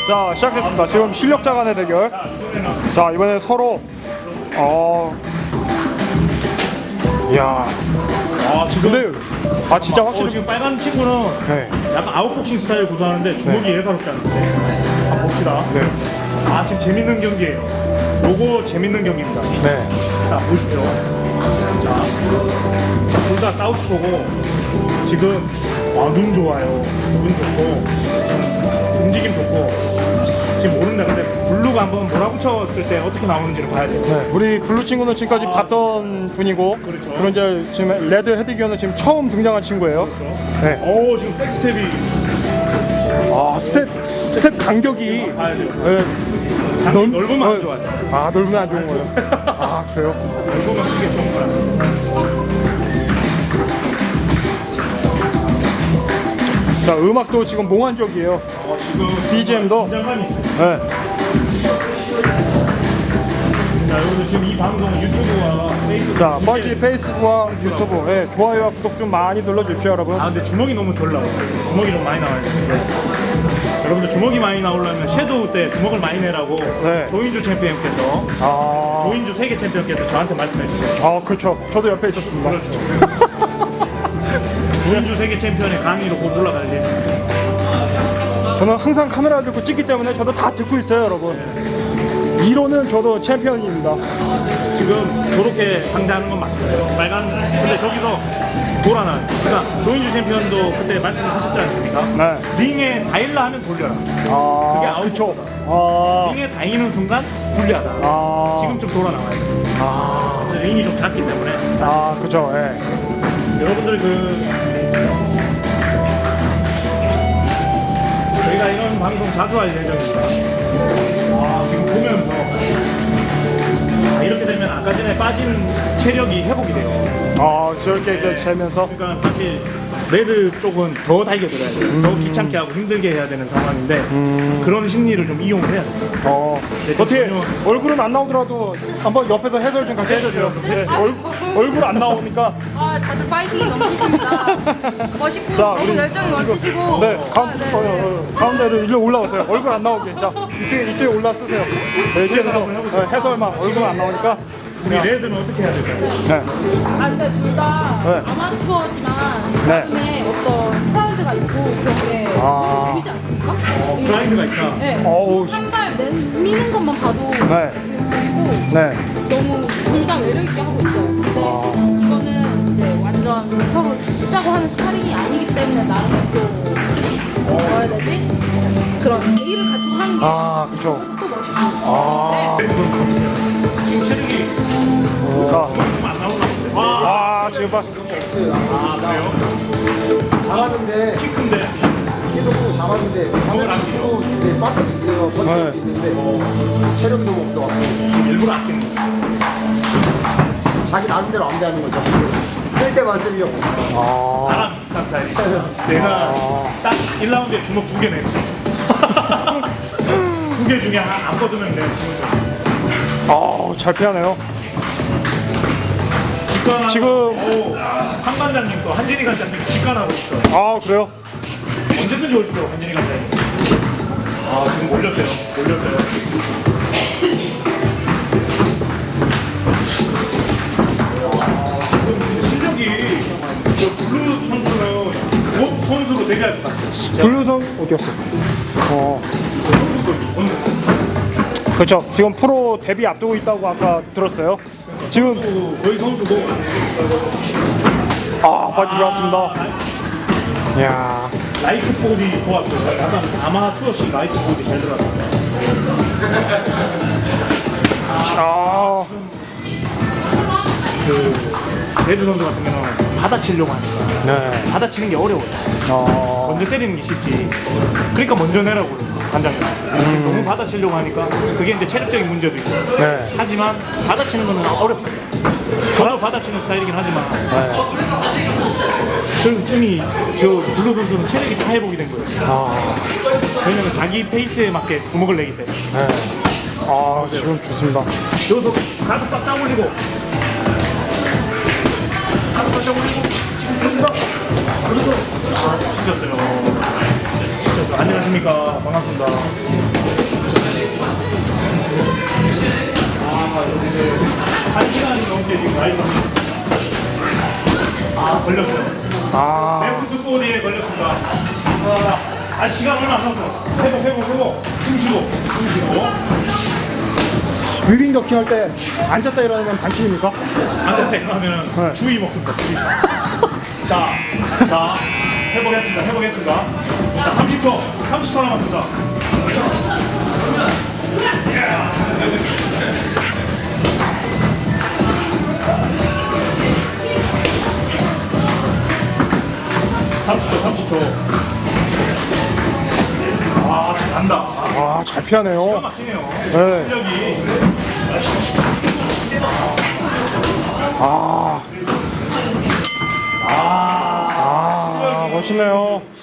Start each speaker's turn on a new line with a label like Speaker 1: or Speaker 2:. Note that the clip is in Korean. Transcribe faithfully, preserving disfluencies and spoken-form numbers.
Speaker 1: 자, 시작했습니다. 지금 실력자 간의 대결. 자, 이번에 서로 어 이야.
Speaker 2: 아 지금
Speaker 1: 근데 아 진짜 확실히
Speaker 2: 어, 지금 빨간 친구는
Speaker 1: 네.
Speaker 2: 약간 아웃복싱 스타일 구사하는데 주먹이
Speaker 1: 네.
Speaker 2: 예사롭지 않은데 한번 봅시다.
Speaker 1: 네.
Speaker 2: 아 지금 재밌는 경기예요. 요거 재밌는 경기입니다.
Speaker 1: 네.
Speaker 2: 자 보십시오. 자, 둘 다 사우스포고 지금 아, 눈 좋아요. 눈 좋고 움직임 좋고 지금 모른다. 근데 블루가 한번 몰아붙였을 때 어떻게 나오는지를 봐야 돼요.
Speaker 1: 네. 우리 블루 친구는 지금까지
Speaker 2: 아,
Speaker 1: 봤던 분이고
Speaker 2: 그렇죠.
Speaker 1: 그리고 이제 지금 레드 헤드기어는 지금 처음 등장한 친구예요.
Speaker 2: 그렇죠.
Speaker 1: 네.
Speaker 2: 오 지금 백스텝이
Speaker 1: 아 스텝 스텝 간격이
Speaker 2: 봐야 돼요.
Speaker 1: 네.
Speaker 2: 넓, 넓으면
Speaker 1: 어,
Speaker 2: 안 좋아요.
Speaker 1: 아 넓으면 안 좋은 거예요. 아 그래요?
Speaker 2: 넓으면 그게 좋은 거야.
Speaker 1: 자, 음악도 지금 몽환적이에요.
Speaker 2: 어, 지금
Speaker 1: 비지엠도?
Speaker 2: 긴장감이 있어요.
Speaker 1: 네.
Speaker 2: 자, 여러분들 지금 이 방송 유튜브와 페이스북.
Speaker 1: 자, 뻘지 페이스북과 유튜브, 네, 좋아요와 구독 좀 많이 눌러주십시오, 여러분.
Speaker 2: 아, 근데 주먹이 너무 덜 나와요. 주먹이 좀 많이 나와요. 네. 여러분들 주먹이 많이 나오려면 섀도우 때 주먹을 많이 내라고
Speaker 1: 네.
Speaker 2: 조인주 챔피언께서
Speaker 1: 아,
Speaker 2: 조인주 세계 챔피언께서 저한테 말씀해 주셨어요.
Speaker 1: 아, 그렇죠. 저도 옆에 있었습니다.
Speaker 2: 그렇죠. 조인주 세계 챔피언의 강의로 곧 올라갈 예정입니다.
Speaker 1: 저는 항상 카메라 들고 찍기 때문에 저도 다 듣고 있어요, 여러분. 이론은 저도 챔피언입니다.
Speaker 2: 지금 저렇게 상대하는 건 맞습니다. 빨간. 근데 저기서 돌아나. 그러니까 조인주 챔피언도 그때 말씀하셨지 않습니까?
Speaker 1: 네.
Speaker 2: 링에 다일라 하면 돌려라.
Speaker 1: 아,
Speaker 2: 그게 아웃.
Speaker 1: 그쵸. 아,
Speaker 2: 링에 다이는 순간 불리하다.
Speaker 1: 아,
Speaker 2: 지금 좀 돌아 나와요.
Speaker 1: 아,
Speaker 2: 링이 좀 작기 때문에.
Speaker 1: 아, 그쵸, 예.
Speaker 2: 여러분들 그 저희가 이런 방송 자주 할 예정입니다. 와 지금 보면서 아, 이렇게 되면 아까 전에 빠진 체력이 회복이 돼요.
Speaker 1: 아, 저렇게 이제 재면서.
Speaker 2: 그러니까 사실 레드 쪽은 더 달겨들어야 돼요.
Speaker 1: 음.
Speaker 2: 더 귀찮게 하고 힘들게 해야 되는 상황인데
Speaker 1: 음.
Speaker 2: 그런 심리를 좀 이용을 해야 돼요.
Speaker 1: 어,
Speaker 2: 네,
Speaker 1: 어떻게
Speaker 2: 전혀-
Speaker 1: 얼굴은 안 나오더라도 한번 옆에서 해설 좀 같이 해주세요. 네, 얼, 얼굴 안 나오니까.
Speaker 3: 아, 다들 파이팅이 넘치십니다. 멋있고
Speaker 1: 자,
Speaker 3: 너무
Speaker 1: 우리
Speaker 3: 열정이 멋지시고.
Speaker 1: 네, 가운,
Speaker 3: 아, 네,
Speaker 1: 어,
Speaker 3: 네.
Speaker 1: 어, 가운데로 일로 올라오세요. 얼굴 안 나오게. 자, 이쪽에, 이쪽에 올라 쓰세요. 네, 이쪽에서 어, 해설만 얼굴 안 나오니까.
Speaker 2: 우리 레드는 어떻게 해야 될까요?
Speaker 1: 네.
Speaker 3: 아, 근데 둘 다
Speaker 1: 네.
Speaker 3: 아마추어지만
Speaker 1: 네.
Speaker 3: 나중에 어떤 프라이드가 있고 그런 게
Speaker 1: 아.
Speaker 3: 보이지 않습니까?
Speaker 2: 어, 프라이드가 있다.
Speaker 3: 네.
Speaker 1: 어우,
Speaker 3: 한발 미는 것만 봐도
Speaker 1: 네.
Speaker 3: 보이고
Speaker 1: 네.
Speaker 3: 너무 둘 다 매력 있게 하고 있어요. 근데
Speaker 1: 아.
Speaker 3: 이거는 이제 완전 서로 죽자고 하는 스파링이 아니기 때문에 나름의 또 뭐라 해야 되지? 그런 예의를 가지고 하는 게
Speaker 1: 아, 그쵸.
Speaker 3: 또 멋있고.
Speaker 1: 아.
Speaker 3: 네.
Speaker 2: 지금 체력이
Speaker 1: 자,
Speaker 2: 안 나오나 본데. 와,
Speaker 1: 아, 지금 봐.
Speaker 2: 아, 그래요?
Speaker 4: 잡았는데
Speaker 2: 키 큰데.
Speaker 4: 키도 크고 잡았는데
Speaker 2: 그걸 안
Speaker 4: 키도 이제 빠져서 버틸
Speaker 1: 네.
Speaker 4: 수 있는데 체력이 너무 없어갖고
Speaker 2: 일부러 아끼는 거.
Speaker 4: 자기 나름대로 안 되는 거죠. 쓸 때만 쓰려고.
Speaker 1: 아.
Speaker 2: 나랑 비슷한 스타일이다. 내가 딱 일 라운드에 주먹 두 개 내고 두 개 중에 하나 안 뻗으면 내가 지금
Speaker 1: 아, 잘 피하네요.
Speaker 2: 직관하고
Speaker 1: 지금-
Speaker 2: 오, 한 관장님 또 한진희 관장님 직관하고 있어.
Speaker 1: 아, 그래요?
Speaker 2: 언제든지 오십시오 한진희 관장님. 아 지금 올렸어요. 올렸어요. 아, 지금 근데 실력이 저 블루 선수는 곧 선수로 데뷔할 것 같아요.
Speaker 1: 블루성 어디였어? 어.
Speaker 2: 선수도 선수.
Speaker 1: 그렇죠. 지금 프로 데뷔 앞두고 있다고 아까 들었어요. 지금
Speaker 2: 선수, 거의 선수고.
Speaker 1: 아, 바지 들어왔습니다. 이야.
Speaker 2: 라이트 볼이 좋았어요. 약간 아마추어식 라이트 볼이 잘 들어갔어요.
Speaker 1: 아,
Speaker 2: 그 레드 선수 같은 경우는 받아치려고 하니까
Speaker 1: 네.
Speaker 2: 받아치는 게 어려워요.
Speaker 1: 어.
Speaker 2: 먼저 때리는 게 쉽지. 그러니까 먼저 내라고 그래요, 관장님. 너무 받아치려고 하니까 그게 이제 체력적인 문제도 있고.
Speaker 1: 네.
Speaker 2: 하지만 받아치는 거는 어렵습니다. 저도 받아치는 스타일이긴 하지만
Speaker 1: 네.
Speaker 2: 저는 이미 저 블루 선수는 체력이 다 회복이 된 거예요.
Speaker 1: 아,
Speaker 2: 왜냐면 자기 페이스에 맞게 주먹을 내기 때문에.
Speaker 1: 네. 아, 지금 좋습니다.
Speaker 2: 여기서 가슴 딱 올리고 가슴 딱 올리고 지금 좋습니다. 그렇죠. 아, 진짜어요. 진짜어요. 안녕하십니까. 반갑습니다. 라이브. 아, 걸렸어요.
Speaker 1: 아,
Speaker 2: 레프트 보디에 걸렸습니다. 아, 아, 시간 얼마 안 남았어. 회복, 회복, 회복. 숨 쉬고, 숨 쉬고.
Speaker 1: 뮤빙 더킹 할 때 앉았다 일어나면 반칙입니까?
Speaker 2: 앉았다 일어나면
Speaker 1: 네.
Speaker 2: 주의 먹습니다. 주의. 자, 자, 회복했습니다. 회복했습니다. 자, 삼십 초, 삼십 초 남았습니다. 삼십 초, 삼십 초. 아, 잘한다.
Speaker 1: 아, 잘
Speaker 2: 기가
Speaker 1: 피하네요.
Speaker 2: 막히네요.
Speaker 1: 네.
Speaker 2: 실력이.
Speaker 1: 아,
Speaker 2: 아,
Speaker 1: 아, 멋있네요.